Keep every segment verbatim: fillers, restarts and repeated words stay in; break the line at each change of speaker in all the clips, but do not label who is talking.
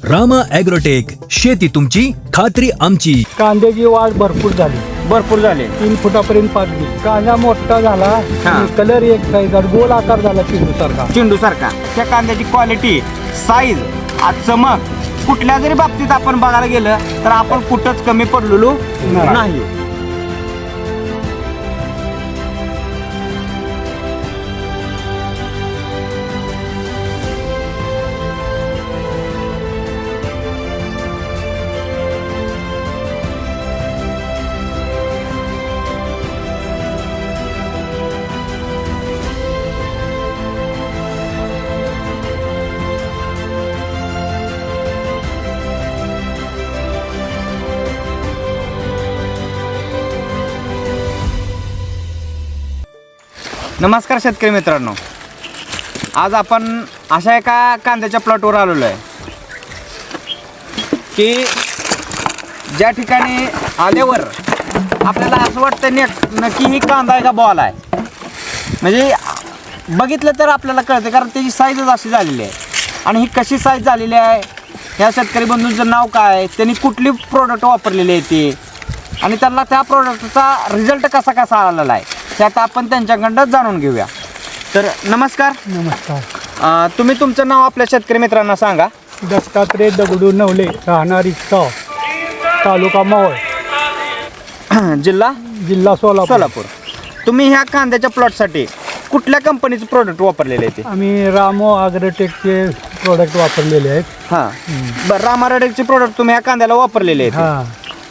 Rama agrotech, शेती तुमची खात्री आमची.
कांद्याची वाढ भरपूर झाली,
भरपूर झाले.
तीन फुटापर्यंत पाकली. कांदा मोठा झाला आणि कलर एक साईज गोल आकार झाला चेंडू सारखा.
चेंडू सारखा. त्या कांद्याची क्वालिटी, साईज, चमक कुठल्या जरी बाबतीत आपण बघायला गेलं तर आपण कुठंच कमी पडलेलो नाही. नमस्कार शेतकरी मित्रांनो, आज आपण अशा एका कांद्याच्या प्लॉटवर आलेलो आहे की ज्या ठिकाणी आल्यावर आपल्याला असं वाटतं ने नक्की ही कांदा आहे का बॉल आहे. म्हणजे बघितलं तर आपल्याला कळतं, कारण त्याची साईजच अशी झालेली आहे. आणि ही कशी साईज झालेली आहे, ह्या शेतकरी बंधूंचं नाव काय, त्यांनी कुठली प्रोडक्ट वापरलेली आहे ती, आणि त्यांना त्या प्रोडक्टचा रिझल्ट कसा कसा आलेला आहे त्यात आपण त्यांच्याकडं जाणून घेऊया. तर नमस्कार.
नमस्कार.
अं, तुम्ही तुमचं नाव आपल्या शेतकरी मित्रांना सांगा.
दत्तात्रय दगडू नवले, राहणार इच्छा, तालुका मावळ,
जिल्हा
जिल्हा सोलापूर.
सोलापूर. तुम्ही ह्या कांद्याच्या प्लॉटसाठी कुठल्या कंपनीचं प्रोडक्ट वापरलेले आहे ते?
आम्ही रामो ॲग्रोटेकचे प्रोडक्ट वापरलेले आहेत.
हां, बरं. रामारेडेकचे प्रोडक्ट तुम्ही ह्या कांद्याला वापरलेले आहेत.
हां,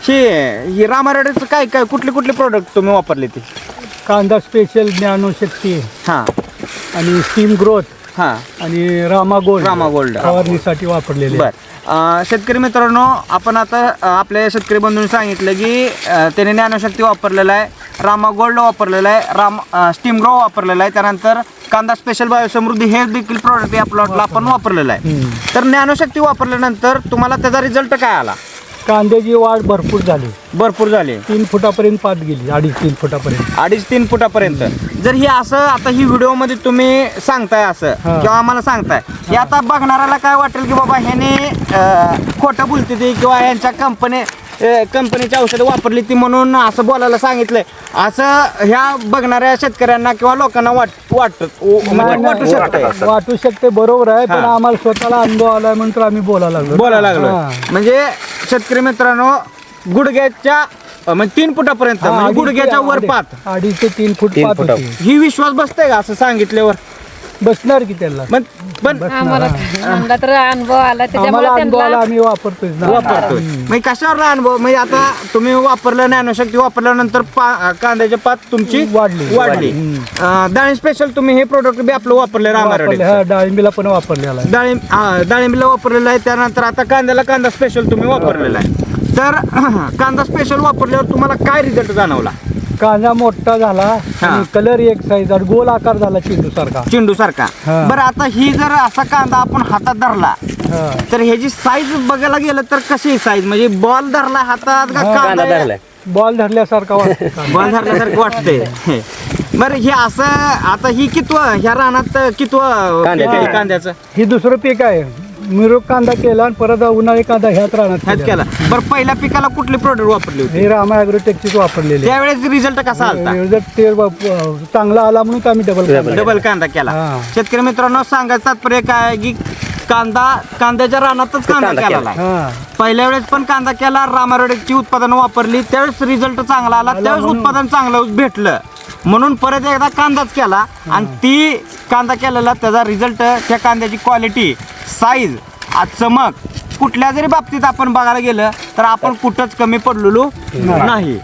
हे ही रामारेडेकचं काय काय कुठले कुठले प्रोडक्ट तुम्ही वापरले ते?
कांदा स्पेशल, ज्ञानशक्ती
हां
आणि स्टीम ग्रोथ
हां
आणि रामा गोल्ड
रामा गोल्ड
फवारणीसाठी वापरलेले.
बरं. शेतकरी मित्रांनो, आपण आता अ, आपल्या शेतकरी बंधूंनी सांगितलं की अ, त्याने ज्ञानशक्ती वापरलेला आहे, रामा गोल्ड वापरलेला आहे, राम स्टीम ग्रो वापरलेला आहे, त्यानंतर कांदा स्पेशल बायोसमृद्धी हे देखील प्रोडक्ट या प्लॉटला आपण वापरलेलं आहे. तर ज्ञानशक्ती वापरल्यानंतर तुम्हाला त्याचा रिझल्ट काय आला?
कांद्याची वाढ भरपूर झाली,
भरपूर झाले.
तीन फुटापर्यंत पात गेली, अडीच तीन फुटापर्यंत.
अडीच तीन फुटापर्यंत. जर हे असं आता ही व्हिडिओमध्ये तुम्ही सांगताय असं
हा.
किंवा आम्हाला सांगताय, हे आता बघणाऱ्याला काय वाटेल की बाबा ह्याने अं, खोटं बोलते ती किंवा यांच्या कंपनी कंपनीची औषधं वापरली ती म्हणून असं बोलायला सांगितलंय, असं ह्या बघणाऱ्या शेतकऱ्यांना किंवा लोकांना वाट वाटत म्हणजे वाटू शकतं.
वाटू शकते, बरोबर आहे. पण
हा.
आम्हाला स्वतःला अनुभव आलाय म्हणून आम्ही बोलायला लागलो
बोलायला लागलो.
हा.
म्हणजे शेतकरी मित्रांनो, गुडघ्याच्या अं, म्हणजे तीन फुटापर्यंत
हा,
म्हणजे
अडीच ते-
गुडघ्याच्या वर
अडीच-
पात,
अडीच ते तीन फूट पात होती.
ही विश्वास बसतंय का असं सांगितल्यावर?
बसणार की त्याला
पण पण
आम्हाला आम्हाला तर अनुभव आला
आम्हाला
त्याच्यामुळे
अनुभव आला,
त्यांना
आम्ही वापरतोय ना.
वापरतोय. म्हणजे कशावर अनुभव, म्हणजे आता तुम्ही वापरलं ज्ञानशक्ती वापरल्यानंतर पा- कांद्याच्या पात तुमची
वाढली.
वाढली. अं, डाळिंब स्पेशल तुम्ही हे प्रोडक्ट बी आपलं वापरले
वापरले.
रामारेडे.
हा, डाळिंबीला पण वापरलेला आहे.
डाळिंब हा, डाळिंबीला वापरलेलं आहे. त्यानंतर आता कांद्याला कांदा स्पेशल तुम्ही वापरलेला आहे. तर कांदा स्पेशल वापरल्यावर तुम्हाला काय रिझल्ट जाणवला?
कांदा मोठा झाला
हा.
आणि कलर एक साईज गोल आकार झाला चेंडू सारखा.
चेंडू सारखा.
हा.
बरं, आता ही जर असा कांदा आपण हातात धरला
हा.
तर ह्याची साईज बघायला गेलं तर कशी साईज, म्हणजे बॉल धरला हातात का
हा.
कांदा धरलाय?
बॉल धरल्यासारखा वाटतो.
बॉल धरल्यासारखं वाटतंय. बरं, हे असं आता ही कितवं ह्या रानात कितवं पीक आहे कांद्याचं?
ही दुसरं पीक आहे. मिरग कांदा केला आणि परत उन्हाळी कांदा ह्याच रानात
ह्यात
केला.
केला. बरं, पहिल्या पिकाला कुठले प्रोडक्ट वापरले होते?
हे रामा ॲग्रोटेकचीच वापरलेली.
त्यावेळेस रिझल्ट कसा आलता?
रिझल्ट ते ब- चांगला आला म्हणून आम्ही डबल
डबल कांदा केला.
हा.
शेतकरी मित्रांनो, सांगायचं तात्पर्य काय आहे की कांदा कांद्याच्या रानातच कांदा केला आहे.
हा.
पहिल्या वेळेस पण कांदा केला, रामारोडेकची उत्पादनं वापरली, त्यावेळेस रिझल्ट चांगला आला, त्यावेळेस
म्हणून-
उत्पादन चांगलं भेटलं म्हणून परत एकदा कांदाच केला. आणि ती कांदा केलेला त्याचा रिझल्ट, त्या कांद्याची क्वालिटी, साईज, चमक कुठल्या जरी बाबतीत आपण बघायला गेलं तर आपण कुठंच कमी पडलेलो नाही.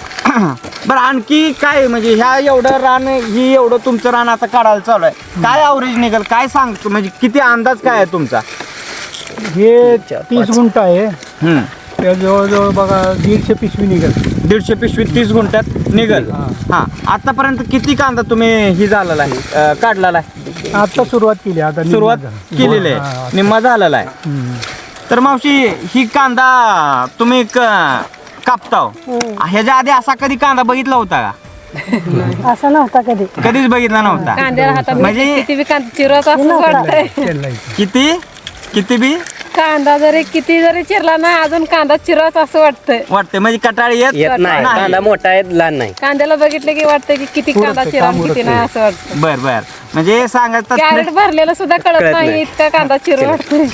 बरं, आणखी काय म्हणजे ह्या एवढं रान, ही एवढं तुमचं रान आता काढायला चालू आहे, काय ॲव्हरेज निघेल काय सांगतो, म्हणजे किती अंदाज काय आहे तुमचा?
हे तीस गुंठ आहे.
हम्म.
त्या जवळजवळ बघा दीडशे पिशवी निघेल.
दीडशे पिशवी तीस गुंठ्यात निघल. हा, आतापर्यंत किती कांदा तुम्ही ही झालेला आहे, अं, काढलेला आहे?
आता सुरुवात केली, आता निम्मा
सुरुवात
झाला.
केलेली
हा,
आहे, निम्मा झालेला आहे.
हम्म.
तर मावशी, ही कांदा तुम्ही क- कापताव, ह्याच्या आधी असा कधी कांदा बघितला होता का?
असं नव्हता कधी.
कधीच बघितला नव्हता.
कांद्याला हातात
म्हणजे
किती बी कांदा चिरत असं वाटतंय.
तेल लावायचं.
किती किती बी
कांदा जरी किती जरी चिरला ना अजून कांदा चिराच असं वाटतंय.
वाटते म्हणजे कटाळी येत
येत नाही,
नाही.
कांदा मोठा आहे लहान नाही.
कांद्याला बघितलं की वाटतं की किती
पुरतं,
कांदा चिरा
काम
किती
उरकतंय.
नाही असं वाटतं.
बर बर म्हणजे सांगायचं
कॅरेट भरलेलं सुद्धा कळत
कळत
नाही
नाही.
इतका कांदा चिरू वाटतोय.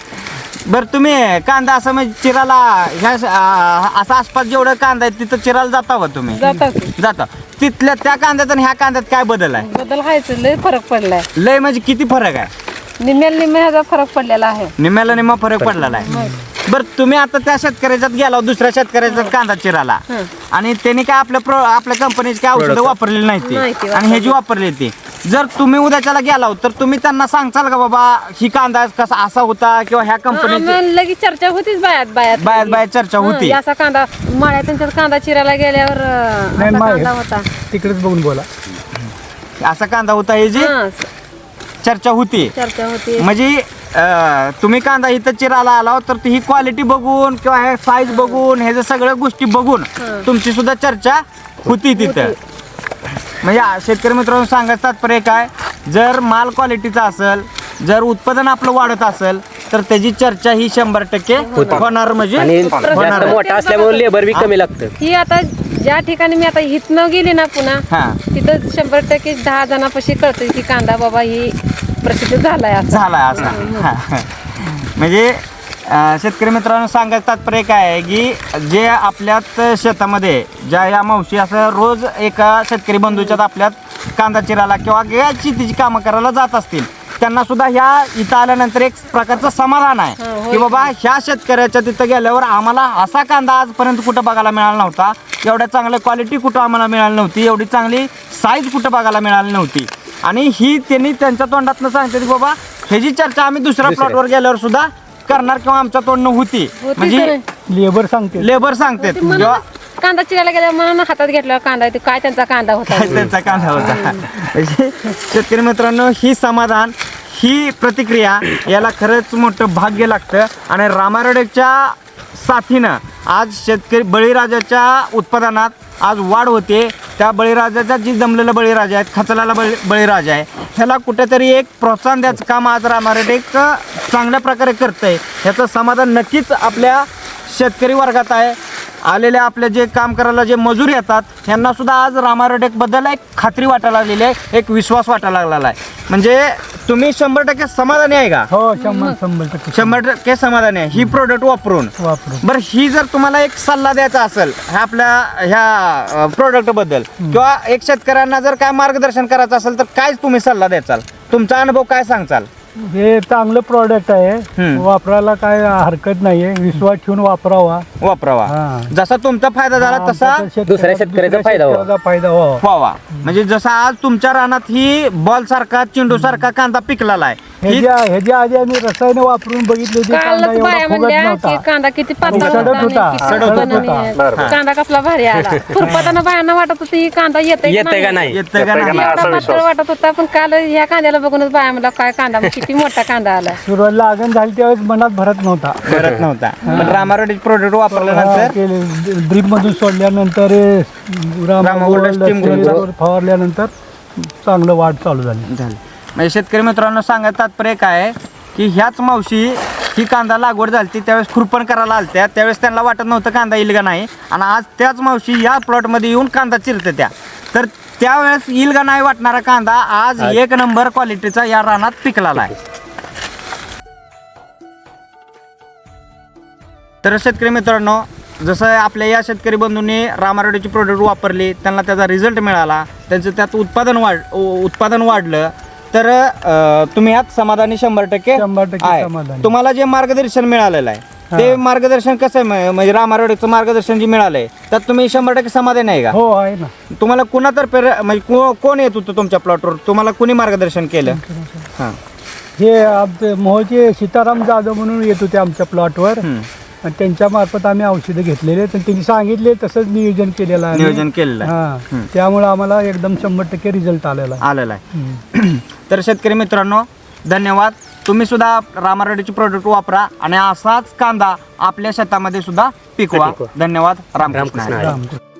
बर तुम्ही कांदा असं म्हणजे चिराला ह्या आ, असं आसपास जेवढं कांदा आहे तिथं चिराला जाता का तुम्ही?
जाता की.
जाता तिथल्या त्या कांद्यात आणि ह्या कांद्यात काय बदल आहे?
बदल व्हायचं लय फरक पडलाय.
लय म्हणजे किती फरक आहे?
निम्म्याला निम्म्या ह्याचा फरक पडलेला आहे.
निम्म्याला निम्मा फरक पडलेला आहे. बर तुम्ही आता त्या शेतकऱ्याच्यात गेला दुसऱ्या शेतकऱ्याच्यात कांदा चिराला
हं.
आणि त्यांनी काय आपल्या प्रो आपल्या कंपनीची काय औषधं
Product.
वापरलेली नाही ती
नाही ती
आणि ह्याची वापरली ती. जर तुम्ही उद्याच्याला गेला तर तुम्ही त्यांना सांगचाल का बाबा ही कांदा कसा असा होता किंवा ह्या कंपनीची
आम्हाला लगेच चर्चा होतीच बायात बायात
बाहेर बाहेर चर्चा होती?
हं, असा कांदा माळ्या त्यांच्यात कांदा चिरायला गेल्यावर अं,
नाही
असा
माय
कांदा होता.
तिकडेच बघून बोला.
असा कांदा होता ह्याची
हं,
चर्चा होती.
चर्चा होती.
म्हणजे अं, तुम्ही कांदा इथं चिरायला आला तर ही क्वालिटी बघून किंवा हे साईज बघून ह्याच्या सगळ्या गोष्टी बघून
हं.
तुमची सुद्धा चर्चा होती तिथं. म्हणजे आ- शेतकरी मित्रांनो सांगायचं तात्पर्य काय, जर माल क्वालिटीचा असेल, जर उत्पादन आपलं वाढत असेल तर त्याची चर्चा ही शंभर टक्के होणार म्हणजे
आणि जास्त
होणार.
मोठा असल्यामुळे लेबर बी कमी लागतं.
ही आता ज्या ठिकाणी मी आता हितनं गेली ना पुन्हा
हा
तिथं शंभर टक्के दहा जणांपाशी कळतं की कांदा बाबा ही प्रसिद्ध झालाय असं.
झालाय असा. हा. म्हणजे अं, शेतकरी मित्रांनो सांगायचं तात्पर्य काय आहे की जे आपल्यात शेतामध्ये ज्या या मावशी असं रोज एका शेतकरी बंधूच्यात आपल्यात कांदा चिरायला किंवा या शेतीची कामं करायला जात असतील त्यांना सुद्धा ह्या इथं आल्यानंतर एक प्रकारचं समाधान
हा,
आहे
होय.
की बाबा ह्या शेतकऱ्याच्या तिथं गेल्यावर आम्हाला असा कांदा आजपर्यंत कुठं बघायला मिळाला नव्हता, एवढ्या चांगल्या क्वालिटी कुठं आम्हाला मिळाली नव्हती, एवढी चांगली साईज कुठं बघायला मिळाली नव्हती. आणि ही त्यांनी त्यांच्या तोंडातनं सांगते की बाबा ह्याची चर्चा आम्ही दुसऱ्या
दुसऱ्या.
प्लॉटवर गेल्यावर सुद्धा करणार किंवा आमच्या तोंडनं होती.
होती
म्हणजे
तर.
लेबर सांगते
लेबर सांगतात
म्हणून
जेव्हा
कांदा चिरायला गेल्या म्हणून हातात घेतला कांदा ते काय त्यांचा कांदा होता.
काय त्यांचा कांदा होता. म्हणजे शेतकरी मित्रांनो ही समाधान ही प्रतिक्रिया याला खरंच मोठं भाग्य लागतं. आणि रामारोडेच्या साथीनं आज शेतकरी बळीराजाच्या उत्पादनात आज वाढ होते. त्या बळीराजाचा जी जमलेलं बळीराजा आहेत, खचलेला बळी बळीराजा आहे, ह्याला कुठेतरी एक प्रोत्साहन द्यायचं काम आज रामारोडे एक चांगल्या प्रकारे करतंय. ह्याचं समाधान नक्कीच आपल्या शेतकरी वर्गात आहे. आलेल्या आपले जे काम करायला जे मजूर येतात ह्यांना सुद्धा आज रामारोटेक बद्दल एक खात्री वाटायला लागलेली आहे, एक विश्वास वाटायला लागलेला आहे. म्हणजे तुम्ही शंभर टक्के समाधानी आहे का?
हो शंभर शंभर टक्के
शंभर टक्के समाधानी आहे ही प्रोडक्ट वापरून.
वापरून.
बरं ही जर तुम्हाला एक सल्ला द्यायचा असेल ह्या आपल्या ह्या प्रोडक्ट बद्दल किंवा एक शेतकऱ्यांना जर काय मार्गदर्शन करायचं असेल तर काय तुम्ही सल्ला द्याचाल? तुमचा अनुभव काय सांगचाल?
हे चांगलं प्रॉडक्ट आहे,
हम्म.
वापरायला काय हरकत नाहीये, विश्वास ठेवून वापरावा.
वापरावा.
हा.
जसा तुमचा फायदा झाला तसा
आमच्या शेतकऱ्याला-
दुसऱ्या शेतकऱ्याचा फायदा व्हावा.
शेतकऱ्याचा फायदा व्हावा.
व्हावा. म्हणजे जसा आज तुमच्या रानात ही बॉल सारखा चेंडू सारखा कांदा पिकलेला आहे ही
ह्याच्या ह्याच्या आधी आम्ही रसायन वापरून बघितले होते, कांदा
कालच
एवढा
बाया
फुगत
म्हणल्या की
नव्हता.
कांदा किती पातळ
सडक
होता आणि
होता.
किती
सडक
पातळ
होता.
आणि कांदा कसला भारी आला. खुरपाताना बायांना वाटत होतं ही कांदा येते
येतंय का नाही?
येतं का नाही?
एवढा पातळ वाटत होता पण काल ह्या कांद्याला बघूनच बाया म्हणला काय कांदा किती मोठा कांदा आला.
सुरुवात लागण झाली त्यावेळेस मनात भरत नव्हता.
करत नव्हता. पण रामारोडी प्रोडक्ट वापरल्यानंतर
ड्रीप मधून सोडल्यानंतर
रामा गोल्ड स्टीम गोल्ड
फवारल्यानंतर चांगलं वाढ चालू झाली.
झालं. म्हणजे शेतकरी मित्रांनो सांगायचं तात्पर्य काय आहे की ह्याच मावशी ही कांदा लागवड झाली त्यावेळेस खुरपण करायला आलत्या, त्यावेळेस त्यांना वाटत नव्हतं कांदा येईल का नाही, आणि आज त्याच मावशी या प्लॉटमध्ये येऊन कांदा चिरते त्या, तर त्यावेळेस येईल का नाही वाटणारा कांदा आज एक नंबर क्वालिटीचा या रानात पिकलेला आहे. तर शेतकरी मित्रांनो जसं आपल्या या शेतकरी बंधूंनी रामारोडीची प्रोडक्ट वापरली, त्यांना त्याचा रिझल्ट मिळाला, त्यांचं त्यात उत्पादन वाढ उत्पादन वाढलं, तर अं, तुम्ही यात समाधानी शंभर टक्के
शंभर टक्के
आहे.
समाधानी.
तुम्हाला जे मार्गदर्शन मिळालेलं आहे ते मार्गदर्शन कसं आहे म- म्हणजे रामारोडीचं मार्गदर्शन जे मिळालंय त्यात तुम्ही शंभर टक्के समाधानी आहे का?
हो आहे ना.
तुम्हाला कुणातर्फे म्हणजे को- कोण येत होतं तुमच्या प्लॉटवर, तुम्हाला कुणी मार्गदर्शन केलं? हां
हे आमचे मोहचे सीताराम जाधव म्हणून येत होते आमच्या प्लॉटवर, आणि त्यांच्या मार्फत आम्ही औषधं घेतलेले, तर त्यांनी सांगितले तसंच नियोजन केलेलं आहे.
नियोजन केलेलं आहे.
हा, त्यामुळे आम्हाला एकदम शंभर टक्के रिझल्ट आलेला आहे.
आलेला आहे. तर शेतकरी मित्रांनो धन्यवाद. तुम्ही सुद्धा रामारोडीची प्रोडक्ट वापरा आणि असाच कांदा आपल्या शेतामध्ये सुद्धा पिकवा.
पिकवा.
धन्यवाद. रामकृष्ण
रामकृष्ण
हरी.
हरी.
रामकृष्ण.